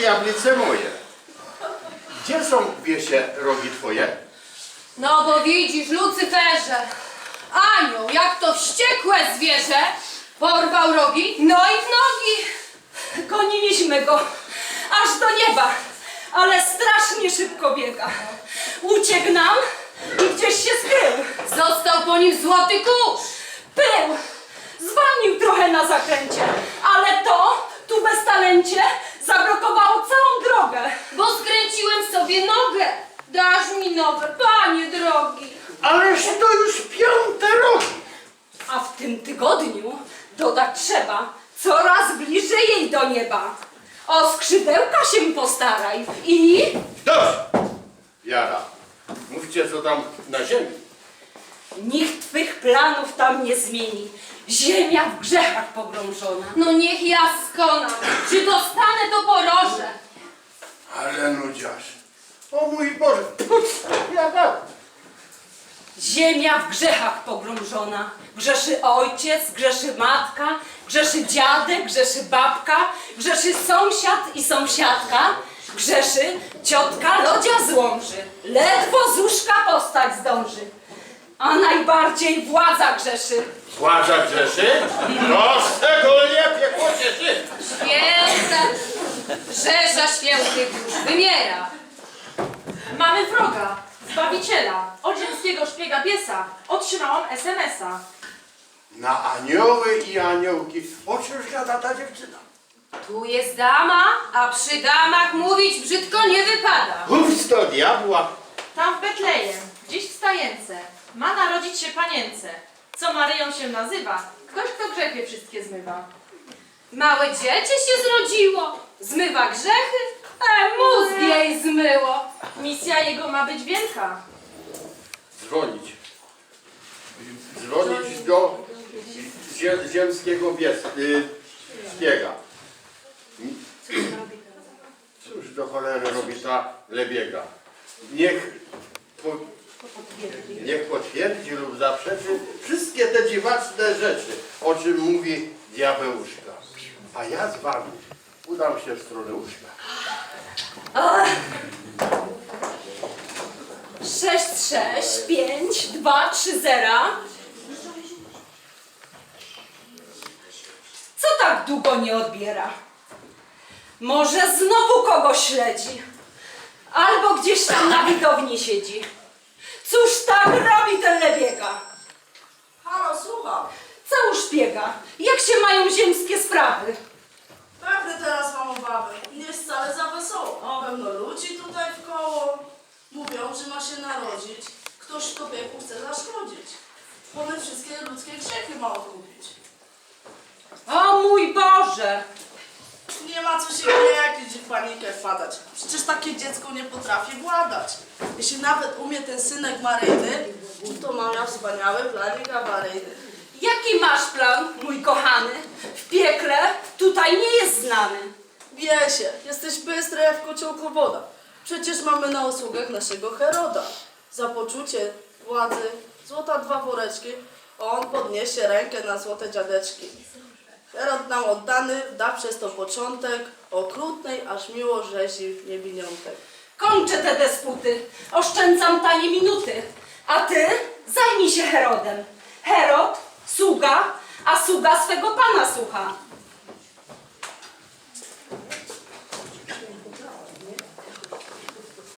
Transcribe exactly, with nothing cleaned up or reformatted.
diablice moje. Gdzie są, wiesie, rogi twoje? No bo widzisz, Lucyferze, anioł, jak to wściekłe zwierzę, porwał rogi, no i w nogi. Goniliśmy go aż do nieba, ale strasznie szybko biega. Uciekł nam i gdzieś się skrył. Został po nim złoty kurz. Pył! Zwolnił trochę na zakręcie, ale to, tu bez talencie, zablokowało całą drogę. Bo skręciłem sobie nogę. Dasz mi nowe, panie drogi. Ależ to już piąte rogi. A w tym tygodniu dodać trzeba coraz bliżej jej do nieba. O skrzydełka się postaraj i... Dość! Jara, mówcie co tam na ziemi. Nikt twych planów tam nie zmieni. Ziemia w grzechach pogrążona. No niech ja skonam, czy dostanę to poroże. Ale nudziarz. O mój Boże. Puc, jara. Ziemia w grzechach pogrążona. Grzeszy ojciec, grzeszy matka, grzeszy dziadek, grzeszy babka, grzeszy sąsiad i sąsiadka, grzeszy ciotka lodzia z Łomży. Ledwo z łóżka postać zdąży. A najbardziej władza grzeszy. Władza grzeszy? No szczególnie piekło cieszy. Święta, Rzesza świętych już wymiera. Mamy wroga, Zbawiciela, od ziemskiego szpiega piesa. Otrzymałam es em es a. Na anioły i aniołki. O czymż gada ta dziewczyna? Tu jest dama, a przy damach mówić brzydko nie wypada. Uf, to diabła. Tam w Betlejem, gdzieś w stajence, ma narodzić się panience. Co Maryją się nazywa? Ktoś, kto grzechy wszystkie zmywa. Małe dziecię się zrodziło, zmywa grzechy, a mózg jej zmyło. Misja jego ma być wielka. Dzwonić. Dzwonić do zie, ziemskiego bies, y, szpiega. Cóż do cholery robi ta lebiega? Niech, po, niech potwierdzi lub zaprzeczy wszystkie te dziwaczne rzeczy, o czym mówi diabełuszka. A ja z wami udam się w stronę łóżka. sześć, sześć, pięć, dwa, trzy, zero. Co tak długo nie odbiera? Może znowu kogoś śledzi? Albo gdzieś tam na widowni siedzi. Cóż tak robi ten lebiega? Halo, słucham. Co u szpiega? Jak się mają ziemskie sprawy? Pewnie teraz mam obawy. Nie jest wcale za wesoło. Pełno ludzi tutaj w koło. Mówią, że ma się narodzić. Ktoś człowieku chce zaszkodzić. One wszystkie ludzkie grzechy ma odkupić. O mój Boże! Nie ma co się gnieździć i w panikę wpadać. Przecież takie dziecko nie potrafi władać. Jeśli nawet umie ten synek Maryjny, to ma miał wspaniały planik awaryjny. Jaki masz plan, mój kochany? W piekle tutaj nie jest znany. Wiesie, jesteś bystry jak w kociołku woda. Przecież mamy na usługach naszego Heroda. Za poczucie władzy złota dwa woreczki, on podniesie rękę na złote dziadeczki. Herod nam oddany da przez to początek okrutnej, aż miło rzezi niewiniątek. Kończę te dysputy, oszczędzam tanie minuty, a ty zajmij się Herodem. Herod, sługa, a sługa swego pana słucha.